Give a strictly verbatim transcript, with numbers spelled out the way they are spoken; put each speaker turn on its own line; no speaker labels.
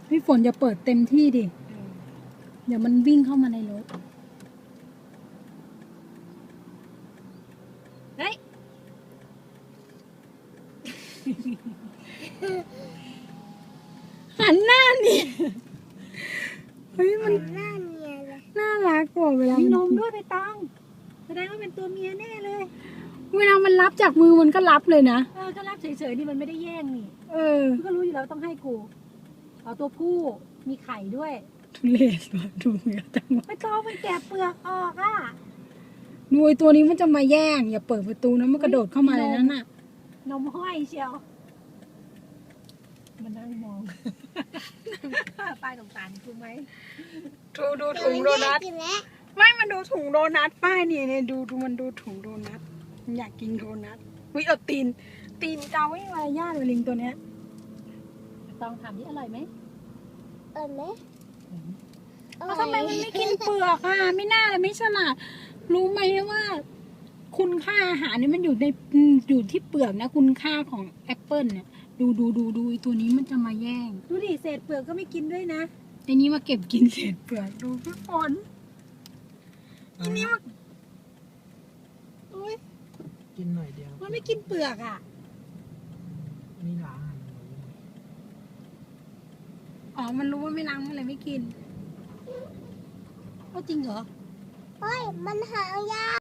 พี่ฝนอย่าเปิดเต็มที่ดิเดี๋ยวมันวิ่งเข้ามาในรถเฮ้ยหันหน้านี่เฮ้ยมัน
หน้าเนียเลย
น่ารักกว่าเวลา
มี
มัน
นมด้วยไปตองแสดงว่าเป็นตัวเมียแน่เลย
เวลามันรับจากมือมันก็รับเลยนะ
เออก็รับเฉยๆนี่มันไม่ได้แย่งนี่
เออ
มันก็รู้อยู่แล้วต้องให้กูเอาตัวผู้มีไข่ด้วย
ทุเรศว่ะดูเงี้ยจังวะ
ไปตองมันแกะเปลือกออกอ่ะ
ดูไอ้ตัวนี้มันจะมาแย่งอย่าเปิดประตูนะมันกระโดดเข้ามาในนั้นน่ะ
นมห้อยเชียวมันนั่งมองป้ายสงสารกูไหม
ดูดูถุงโดนัท
กินแล้ว
ไม่มันดูถุงโดนัทป้ายนี่เนี่ยดูดูมันดูถุงโดนัทมันอยากกินโดนัทวิเอาตีน ตีนเกาไม่มารยาทเลยลิงตัวเนี้ย
ตองถามนี่อร่อยไหม
เออไหม
แล้วทำไมมันไม่กินเปลือกอ่ะไม่น่าเลยไม่ฉลาดรู้ไหมว่า คุณค่าอาหารเนี่ยมันอยู่ในอยู่ที่เปลือกนะ คุณค่าของแอปเปิลเนี่ย ดูดูดูดูไอ้ตัวนี้มันจะมาแย่ง
ดูดิเศษเปลือกก็ไม่กินด้วยนะ
ไอ้นี้มาเก็บกินเศษเปลือกดูพี่ฝนไอ้นี้มาอุ๊ย
กินหน่อยเดียว
มันไม่กินเปลือกอ่ะ
นี่ล้างอ่ะ
อ๋อมันรู้ว่าไม่ล้างมันเลยไม่กิน
ก็จริงเหรอ
เฮ้ยมันหายาก